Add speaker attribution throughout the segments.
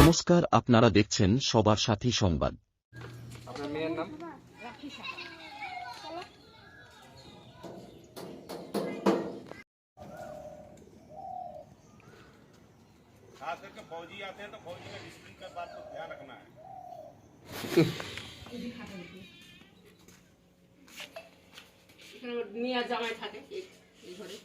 Speaker 1: নমস্কার, আপনারা দেখছেন সবার সাথী সংবাদ।
Speaker 2: আপনার মেয়ের নাম?
Speaker 3: खास करके फौजी आते हैं तो फौजी में डिसिप्लिन का बात को ध्यान रखना है।
Speaker 4: মিয়া জামাই থাকে এই ঘরে।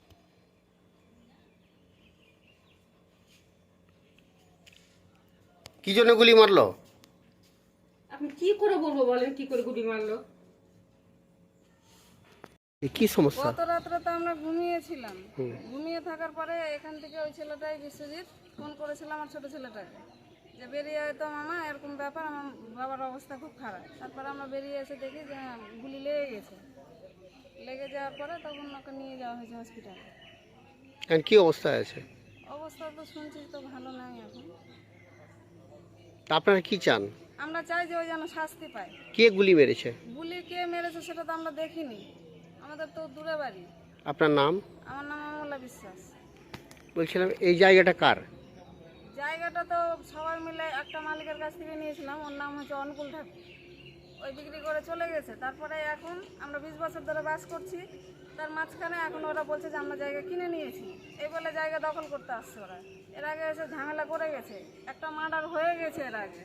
Speaker 2: কি জন্য গুলি মারলো?
Speaker 4: আপনি কি করে বলবো বলেন, কি করে গুলি মারলো?
Speaker 2: কি সমস্যা?
Speaker 5: গত রাত্রে তো আমরা ঘুমিয়েছিলাম, ঘুমিয়ে থাকার পরে এখান থেকে ওই ছেলেটাই বিশ্বজিৎ ফোন করেছিল আমার ছোট ছেলেটাকে যে বেরিয়ে আয় তো মামা, এরকম ব্যাপার, আমার বাবার অবস্থা খুব খারাপ। তারপরে আমরা বেরিয়ে এসে দেখি যে গুলি লেগে গেছে। লেগে যাওয়ার পরে তখন ওকে নিয়ে যাওয়া হয়েছে হসপিটালে।
Speaker 2: এখন কি অবস্থায় আছে?
Speaker 5: অবস্থা তো শুনছি তো ভালো নাই এখন।
Speaker 2: তা আপনারা কি চান?
Speaker 5: আমরা চাই যে ওই যেন শাস্তি পায়।
Speaker 2: কে গুলি মেরেছে?
Speaker 5: গুলি কে মেরেছে সেটা তো আমরা দেখিনি, আমাদের তো দূরে বাড়ি।
Speaker 2: আপনার নাম?
Speaker 5: আমার নাম অমলা বিশ্বাস।
Speaker 2: বলছিলাম এই জায়গাটা কার?
Speaker 5: জায়গাটা তো সবাই মিলে একটা মালিকের কাছ থেকে নিয়েছিলাম, ওর নাম হচ্ছে অনুকূল ঠাকুর। ওই বিক্রি করে চলে গেছে। তারপরে এখন আমরা 20 বছর ধরে বাস করছি, তার মাঝখানে এখন ওরা বলছে যে আমরা জায়গা কিনে নিয়েছি, এই বলে জায়গা দখল করতে আসছে ওরা। এর আগে এসে ঝামেলা করে গেছে, একটা মার্ডার হয়ে গেছে এর আগে।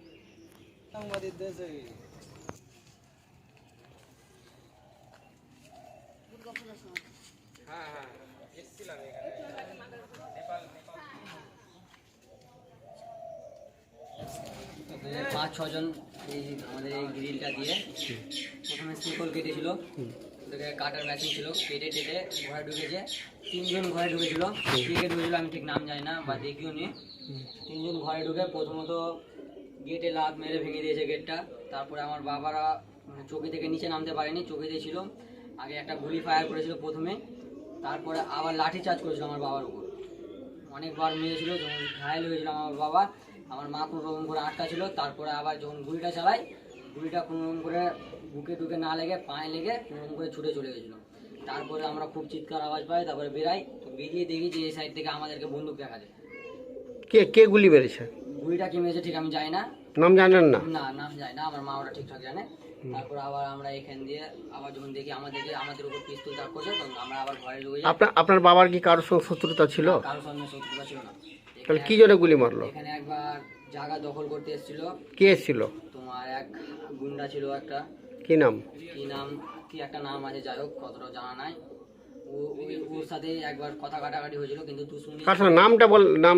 Speaker 6: পাঁচ ছজন এই আমাদের এই গ্রিলটা দিয়ে প্রথমে শিকল কেটেছিল, ওটাকে কাটার মেশিন ছিল, কেটে টেটে ঘরে ঢুকেছে। তিনজন ঘরে ঢুকেছিল, কে ঢুকেছিল আমি ঠিক নাম জানি না বা দেখিও নি। তিনজন ঘরে ঢুকে প্রথমত গেটে লাফ মেরে ভেঙে দিয়েছে গেটটা। তারপরে আমার বাবারা চৌকি থেকে নিচে নামতে পারেনি, চৌকিতে ছিল। আগে একটা গুলি ফায়ার করেছিল প্রথমে, তারপরে আবার লাঠি চার্জ করেছিল আমার বাবার উপর, অনেকবার মেরেছিল। যখন ঘায়েল হয়েছিল আমার বাবা, আমার মা কোনো রকম করে আটকা ছিল। তারপরে আবার যখন গুলিটা চালাই, গুলিটা কোনো রকম করে বুকে টুকে না লেগে পায়ে লেগে কোনো রকম করে ছুটে চলে গেছিলো। তারপরে আমরা খুব চিৎকার আওয়াজ পাই, তারপরে বেরাই, তো বেরিয়ে দেখি যে এই সাইড থেকে আমাদেরকে বন্দুক দেখা যায়।
Speaker 2: কে কে গুলি মেরেছে?
Speaker 6: গুলিটা কি মেরেছে ঠিক আমি জানি না,
Speaker 2: নাম জানেন না?
Speaker 6: না নাম জানি না, আমার মা ওরা ঠিকঠাক জানে। তারপর আবার আমরা এখান দিয়ে আবার যখন দেখি আমাদের উপর পিস্তল তাক করছে, তখন আমরা আবার ঘরে ঢুকে যাই।
Speaker 2: আপনার বাবার কি কারোর সঙ্গে শত্রুতা ছিল?
Speaker 6: কারোর সঙ্গে শত্রুতা ছিল না।
Speaker 2: তাহলে কি জন্য গুলি মারলো?
Speaker 6: এখানে একবার জায়গা দখল করতে এসেছিল।
Speaker 2: কে এসেছিল?
Speaker 6: তোমার এক গুন্ডা ছিল একটা,
Speaker 2: কি নাম?
Speaker 6: কি একটা নাম আছে, যাই হোক কতটা জানা নাই। ওর সাথে একবার কথা কাটাকাটি হয়েছিল, কিন্তু তুই শুনি
Speaker 2: কার সঙ্গে? নামটা বল। নাম